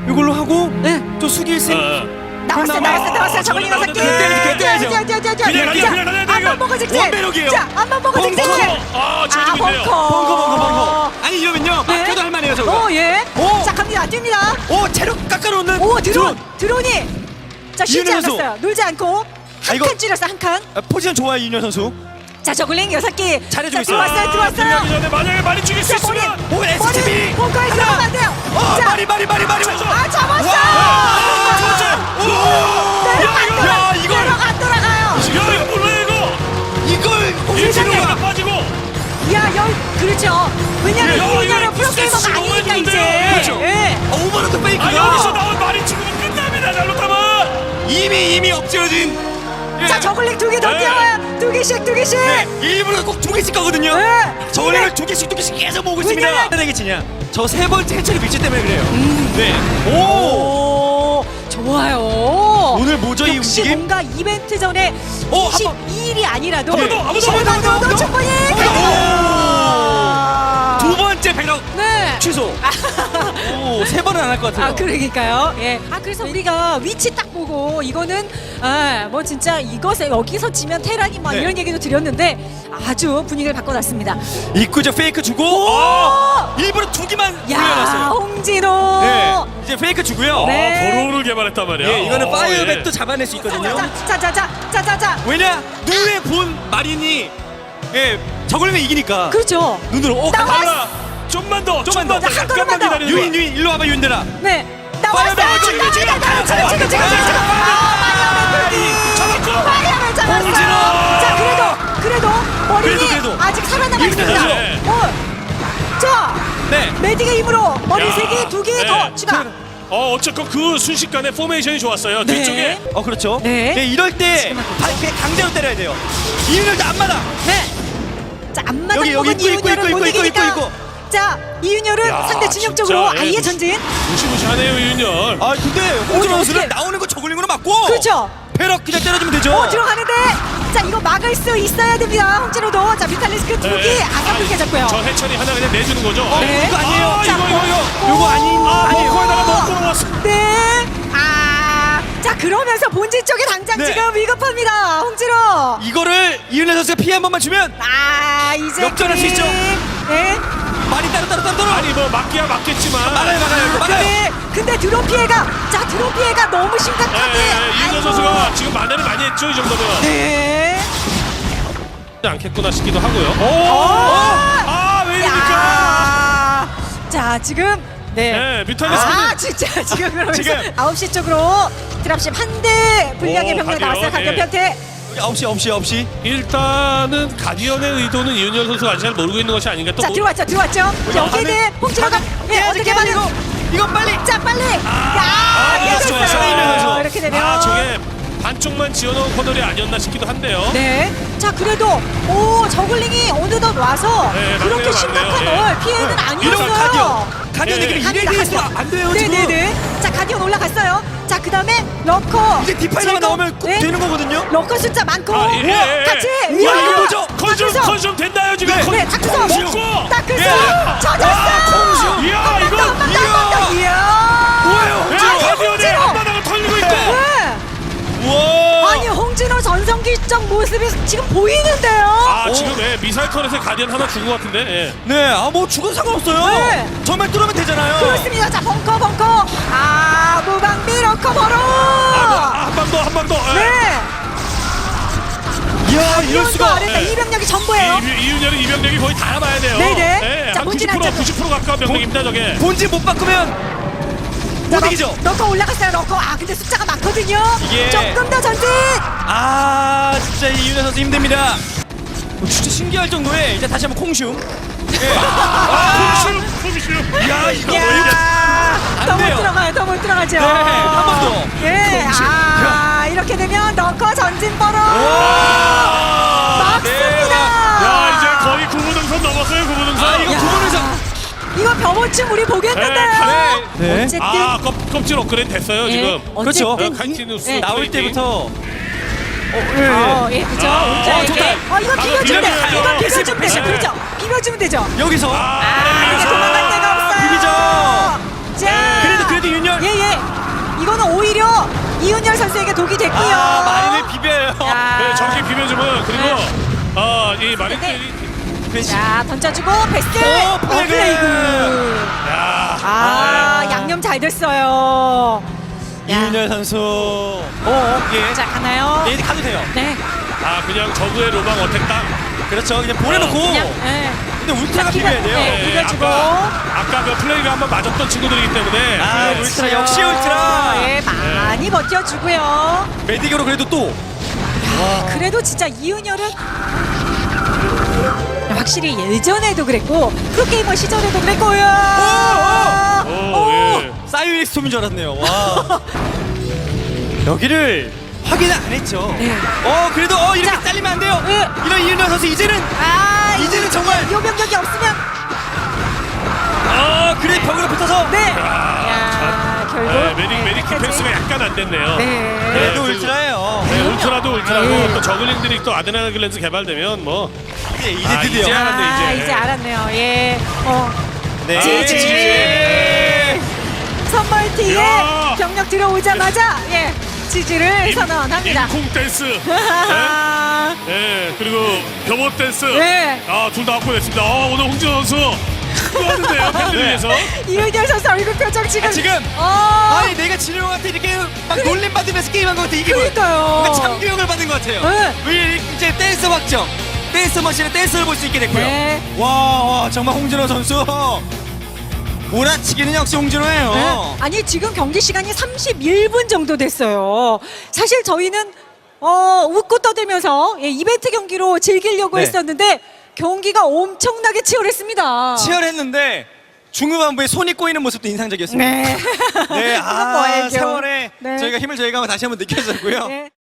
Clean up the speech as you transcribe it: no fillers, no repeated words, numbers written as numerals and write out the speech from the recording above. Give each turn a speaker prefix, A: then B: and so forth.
A: 이걸로 하고
B: 네.
A: 또 수길생
B: 나왔어요. 저글링 여섯 개. 안만 보고 직진.
A: 원배럭이에요.
B: 자, 안만 보고 직진.
C: 지워지고 있네요.
B: 벙커.
A: 아니 이러면요
B: 네.
A: 막혀도 할만해요 저거.
B: 오, 예.
A: 오.
B: 자, 갑니다. 뜁니다.
A: 오 체력 깎아놓는
B: 오, 드론이. 자, 쉬지
A: 이윤현 선수.
B: 않았어요. 놀지 않고 한
A: 이거-
B: 칸 줄였어, 한 칸.
A: 포지션 좋아요 이윤현 선수.
B: 자, 저글링 여섯 개.
A: 잘해주고
B: 자,
A: 있어요.
B: 들어왔어요.
C: 들어가기 전에 만약에 많이 죽일 수
B: 자, 머리.
C: 있으면
A: 오 SCB.
B: 벙커에 들어가면 안 돼요. 자,
A: 마리
B: 아, 잡았어.
A: 야, 이걸.
B: 내려가 안 돌아가요.
C: 야 이거 몰라요
A: 이걸
C: 이거
B: 세상에.
C: 일진으로 하나 빠지고
B: 야, 그렇죠. 왜냐면
C: 야,
B: 이윤현은
C: 이거
B: 프로게이머가
C: 진짜
B: 아니니까
C: 너무
B: 이제.
A: 그렇죠.
B: 예.
A: 오버로드 페이크가
C: 여기서 나온 말이 죽으면 끝납니다 잘못하면.
A: 이미 엎질러진.
B: 자, 저글링 두 개 더
C: 네.
B: 뛰어요. 두 개씩.
A: 일부러 꼭 두 개씩 가거든요.
B: 네.
A: 저걸링을 두 개씩 계속 모으고 있습니다.
B: 왜냐면-
A: 되겠지냐? 저 세 번째 해처리 밀치 때문에 그래요. 네. 오.
B: 오, 좋아요.
A: 오늘 뭐죠 이
B: 역시
A: 움직임?
B: 뭔가 이벤트 전에
A: 오, 한 번.
B: 22일이 아니라도
C: 한 번 더, 한 번 더, 한 번 더, 한 번 더.
B: 충분히
A: 두 번째 배럭
B: 네.
A: 취소. 오, 세 번은 안 할 것 같아요.
B: 아, 그러니까요. 예. 아, 그래서 우리가 위치 딱 보고 이거는 뭐 진짜 이것에 여기서 지면 테란이 막
A: 네.
B: 이런 얘기도 드렸는데 아주 분위기를 바꿔놨습니다.
A: 입구죠 페이크 주고. 일부러 두 개만
B: 야,
A: 올려놨어요.
B: 홍진호.
A: 네. 이제 페이크 주고요.
B: 네.
C: 보로를 개발했단 말이야.
A: 예, 이거는 파이어백도
C: 예.
A: 잡아낼 수 있거든요.
B: 자자자자자자자.
A: 왜냐? 눈에 본 마린이 저걸리면 이기니까.
B: 그렇죠.
A: 눈으로
B: 나와.
C: 달라. 좀만 더.
A: 좀만 더.
B: 한
C: 약간만
B: 걸음만 더.
C: 기다려.
A: 유인 일로 와봐 윤대라.
B: 네. 나왔어요.
A: 파이어백
B: 지금
A: 지금
B: 파이어맨 잡았어요.
A: 홍진호.
B: 자, 그래도 머리니
A: 그래도.
B: 아직 살아남아 있습니다.
C: 네.
B: 자,
A: 네.
B: 메딕의 힘으로 머리
C: 야.
B: 세 개, 두 개
C: 네.
B: 더 추가.
C: 어쨌건 그 순식간에 포메이션이 좋았어요.
B: 네.
C: 뒤쪽에.
A: 그렇죠.
B: 네.
A: 이럴 때 그냥 강제로 때려야 돼요. 이윤열도 안 맞아.
B: 네. 자, 앞마당
A: 여기,
B: 먹은
A: 있고,
B: 이윤열은 못
A: 있고.
B: 이기니까. 자, 이윤열은
C: 야,
B: 상대 진영적으로
C: 진짜, 예,
B: 아예 전진.
C: 무시무시하네요 윤열.
A: 아 근데 홍진호 선수는
B: 어떻게-
A: 나오는 거 저글링으로 맞고.
B: 그렇죠.
A: 배럭 그냥 때려주면 되죠.
B: 들어가는데. 자, 이거 막을 수 있어야 됩니다. 홍진호도. 자, 뮤탈리스크 두 개. 아깝게 잡고요.
C: 저 해철이 하나 그냥 내주는 거죠.
B: 네.
A: 이거 아니에요.
B: 자,
A: 요거 아니에요.
C: 벙커에다가 넣고 나왔어.
B: 네. 자, 그러면서 본진 쪽에 당장
A: 네.
B: 지금 위급합니다. 홍진호.
A: 이거를 이윤열 선수가 피해 한 번만 주면
B: 이제
A: 역전할 수 있죠.
B: 네.
A: 말이 따로.
C: 아니 뭐 맞기야 맞겠지만.
A: 막아요.
B: 근데 드론 피해가 드론 피해가 너무 심각하게.
C: 이윤열
B: 아이고.
C: 선수가 지금 만회를 많이 했죠 이 정도면.
B: 네.
C: 않겠구나 싶기도 하고요. 왜 이러니까?
B: 야. 자, 지금
C: 네, 뮤탈리스크는
B: 진짜 지금 그러면서
A: 지금.
B: 9시 쪽으로 드랍십 한 대 분량의
C: 오,
B: 병력
C: 가디언,
B: 나왔어요. 가디언
C: 예.
B: 편태.
A: 9시.
C: 일단은 가디언의 의도는 이윤열 선수가 아직 잘 모르고 있는 것이 아닌가 또.
B: 자, 들어왔죠. 여기는 홍진호가 어떻게 받는?
A: 이건 빨리.
B: 자, 빨리.
A: 좋아요.
B: 깨졌어요. 이렇게 되면.
C: 저게 반쪽만 지어놓은 코너리 아니었나 싶기도 한데요.
B: 네. 자, 그래도 저글링이 어느덧 와서
C: 네,
B: 그렇게
C: 맞네요,
B: 심각한
C: 맞네요.
B: 피해는
A: 이런
B: 아니었어요.
A: 가디언
C: 예.
A: 얘기를 이래서 안 돼요 지금.
B: 네네네. 자, 가디언 올라갔어요. 자, 그다음에 러커.
A: 이제 디파이너가
B: 제거.
A: 나오면 꼭
B: 네.
A: 되는 거거든요.
B: 러커 숫자 많고.
C: 예.
B: 같이.
A: 우와, 이거 뭐죠?
C: 컨슘 됐나요 지금?
B: 네, 다크서.
C: 먹고.
B: 다크서.
A: 예.
B: 젖었어.
C: 이야 이거.
B: 이야.
A: 뭐예요?
C: 가디언의
B: 홍진호.
C: 앞바닥을 털리고 있고.
B: 네.
A: 우와.
B: 아니, 홍진호 전성기적 모습이 지금 보이는데요.
C: 지금 미사일 턴에서 가디언 하나 죽은 것 같은데. 예.
A: 네, 뭐 죽어도 상관없어요.
B: 네.
A: 정말 뚫으면 되잖아요.
B: 그렇습니다. 자, 벙커. 무방비 러커 바로.
C: 한 방 더. 예.
B: 네.
A: 이야, 이럴 수가.
B: 아래다
C: 네.
B: 이병력이 전부예요.
C: 이윤열의 이병력이 거의 다 남아야 돼요.
B: 네네. 자,
C: 한
B: 본진
C: 90%
B: 안쪽으로.
C: 90% 가까운 병력입니다 저게.
A: 본진 못 바꾸면 못 이기죠.
B: 러커 올라갔어요. 러커. 근데 숫자가 많거든요.
A: 이게-
B: 조금 더 전진.
A: 진짜 이윤현 선수 힘듭니다. 진짜 신기할 정도에 이제 다시 한번 콩슘.
C: 콩슈.
A: 야, 이거 뭐
B: 야,
A: 안
B: 더 못
A: 돼요.
B: 들어가요. 더 못 들어가죠.
A: 네, 한 번 더.
B: 예. 이렇게 되면 러커 전진 버로.
A: 와,
B: 막습니다.
C: 야 이제 거의 구부등선 넘었어요 구부등선.
A: 이거
B: 야.
A: 구분에서.
B: 이거 병원쯤 우리 보겠는데요.
A: 네.
B: 어쨌든
C: 껍질 업그레이드 됐어요 지금.
A: 그렇죠.
B: 어쨌든
C: 카이티누스
B: 네.
A: 나올
C: 플레이팅.
A: 때부터.
B: 그죠.
A: 좋다.
B: 이거 비벼주면 돼.
C: 비벼줘요.
B: 이거 비벼주면
A: 패스.
B: 되죠. 그렇죠. 비벼주면 되죠.
A: 여기서.
B: 이제 도망갈 데가 없어요.
A: 비비죠.
B: 자,
A: 그래도 윤열.
B: 예. 선수에게 독이 됐고요.
A: 아, 마린을 비벼요.
B: 야.
C: 네, 정신 비벼주면 그리고
B: 네.
C: 이 마린들이
B: 자, 던져주고 패스.
A: 플레이그.
C: 야,
B: 양념 잘 됐어요. 야.
A: 이윤열 선수. 예.
B: 자, 가나요?
A: 예, 가도 돼요.
B: 네.
C: 그냥 저그의 로망 어택 땅.
A: 그렇죠. 그냥 보내놓고.
B: 그냥 네.
A: 근데 울트라가 비벼야 돼요.
B: 네. 비벼주고.
C: 아까 그 플레이가 한번 맞았던 친구들이기 때문에
A: 아, 울트라 역시 울트라.
B: 예, 많이 버텨주고요.
A: 메디교로 그래도 또.
B: 그래도 진짜 이윤열은 확실히 예전에도 그랬고 프로게이머 시절에도 그랬고요.
C: 오, 예.
A: 사이오닉 스톰인 줄 알았네요. 와. 여기를 확인을 안 했죠.
B: 네.
A: 그래도 이렇게
B: 자.
A: 잘리면 안 돼요.
B: 네.
A: 이런 이윤열 선수 이제는 이제는 정말
B: 요병력이 없으면
A: 그래 벽으로 붙어서.
B: 네. 야, 결국
C: 메디 디펜스가 약간 안 됐네요.
B: 네.
A: 그래도
C: 그리고-
A: 울트라예요.
C: 네, 울트라도 울트라고
B: 네.
C: 또 저글링들이 또 아드레날 글랜즈 개발되면 뭐
A: 이제 드디어.
C: 이제 알았네,
B: 이제 알았네요. 예.
A: 네.
B: 지지. 선멀티에
C: 야.
B: 병력 들어오자마자 지지를 선언합니다.
C: 임콩 댄스. 네? 네, 그리고 겸호 댄스.
B: 네.
C: 둘 다 확보됐습니다. 오늘 홍진호 선수 수고하는데요, 팬들
A: 네.
C: 위해서.
B: 이윤열 선수 얼굴 표정 지금.
A: 지금
B: 어.
A: 내가 진영한테 이렇게 막 놀림 받으면서 게임한 것 같아. 이게
B: 그러니까요.
A: 뭔가 참교육을 받은 것 같아요.
B: 네.
A: 우리 이제 댄스 확정. 댄스 머신의 댄스를 볼 수 있게 됐고요.
B: 네.
A: 와, 정말 홍진호 선수. 몰아치기는 역시 홍진호예요.
B: 네. 아니 지금 경기 시간이 31분 정도 됐어요. 사실 저희는 웃고 떠들면서 이벤트 경기로 즐기려고
A: 네.
B: 했었는데 경기가 엄청나게 치열했습니다.
A: 치열했는데 중후반부에 손이 꼬이는 모습도 인상적이었습니다.
B: 네.
A: 네,
B: 그건 뭐예요?
A: 세월에
B: 네.
A: 저희가 힘을 저희가 다시 한번 느꼈었고요.
B: 네.